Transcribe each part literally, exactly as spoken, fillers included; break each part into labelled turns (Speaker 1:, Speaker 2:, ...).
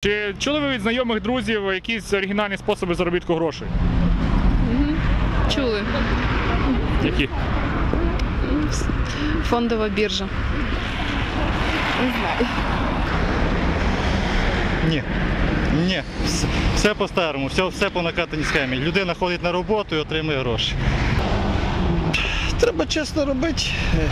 Speaker 1: Чи чули ви від знайомих друзів якісь оригінальні способи заробітку грошей?
Speaker 2: Угу. Чули.
Speaker 1: Які?
Speaker 2: Фондова біржа. Не знаю.
Speaker 3: Ні. Ні. Все, все по-старому, все, все по накатаній схемі. Людина ходить на роботу і отримує гроші. Треба чесно робити,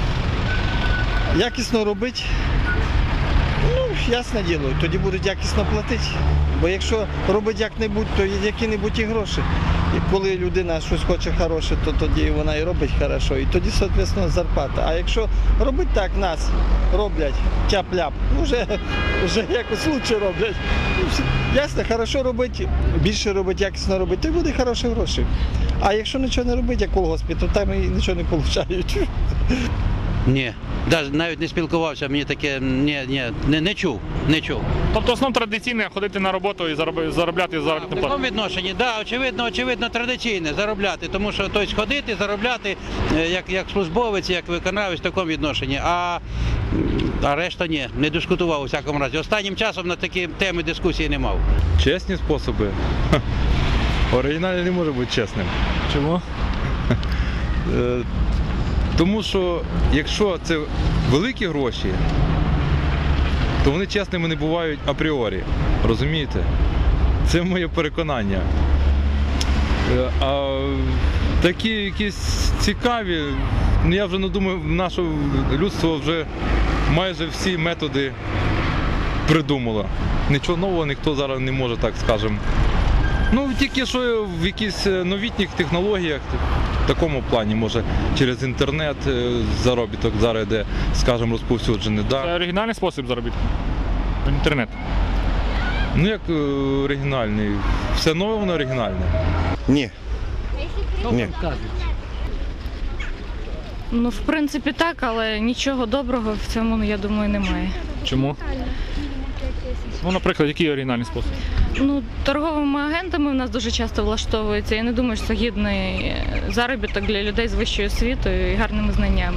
Speaker 3: якісно робити. Ну, ясне діло, тоді будуть якісно платити. Бо якщо робить як-небудь, то які-небудь і гроші. І коли людина щось хоче хороше, то тоді вона і робить хорошо. І тоді, відповідно, зарплата. А якщо робить так, нас роблять тяп-ляп, ну вже, вже якось краще роблять. Ясно, хорошо робити, більше робити, якісно робити, то й буде хороші гроші. А якщо нічого не робити, як колгоспі, то там і нічого не отримують.
Speaker 4: Ні, навіть не спілкувався, мені таке ні, ні, не, не чув, не чув.
Speaker 1: Тобто основно традиційне ходити на роботу і зароби- заробляти заробітну
Speaker 4: В такому
Speaker 1: плату?
Speaker 4: відношенні, да, очевидно, очевидно, традиційне заробляти, тому що тобто, ходити, заробляти е, як, як службовець, як виконавець в такому відношенні, а, а решта ні, не дискутував у всякому разі. Останнім часом на такі теми дискусії не мав.
Speaker 5: Чесні способи? Ха. Оригінальний не може бути чесним.
Speaker 1: Чому?
Speaker 5: Е, Тому що якщо це великі гроші, то вони чесними не бувають апріорі. Розумієте? Це моє переконання. Е, А такі якісь цікаві, ну я вже не думаю, наше людство вже майже всі методи придумало. Нічого нового ніхто зараз не може, так скажемо. Ну, тільки що в якихось новітніх технологіях, в такому плані, може, через інтернет заробіток зараз йде, скажімо, розповсюджений.
Speaker 1: Це
Speaker 5: Да?
Speaker 1: оригінальний спосіб заробітку? Інтернет.
Speaker 5: Ну, як е, оригінальний? Все нове, воно оригінальне.
Speaker 3: Ні. Ні.
Speaker 6: Ну, в принципі, так, але нічого доброго в цьому, я думаю, немає.
Speaker 1: Чому? Ну, наприклад, який оригінальний спосіб?
Speaker 6: Ну, торговими агентами в нас дуже часто влаштовується. Я не думаю, що це гідний заробіток для людей з вищою освітою і гарними знаннями.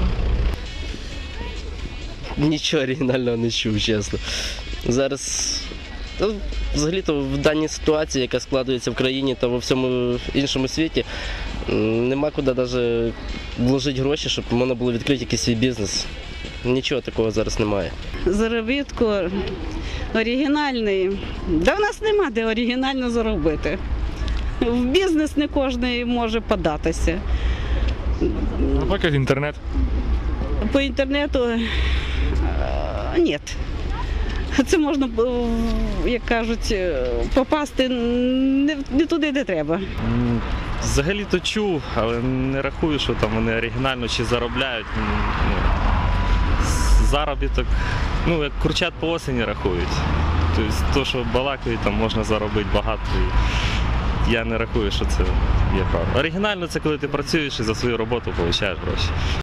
Speaker 7: Нічого оригінального не чув, чесно. Зараз, та, взагалі-то в даній ситуації, яка складається в країні та во всьому іншому світі, м, нема куди навіть вложити гроші, щоб можна було відкрити якийсь свій бізнес. Нічого такого зараз немає.
Speaker 8: Заробітку оригінальний. Да в нас нема де оригінально заробити. В бізнес не кожен може податися.
Speaker 1: Наприклад, інтернет.
Speaker 8: По інтернету е, ні. Це можна, е, як кажуть, е, попасти не, не туди, де треба.
Speaker 9: М, Взагалі-то чув, але не рахую, що там вони оригінально чи заробляють. М, Ну, з- заробіток, ну як курчат по осені рахують. Тобто, то, що балакають, там можна заробити багато. І я не рахую, що це є правда. Оригінально це коли ти працюєш і за свою роботу отримуєш гроші.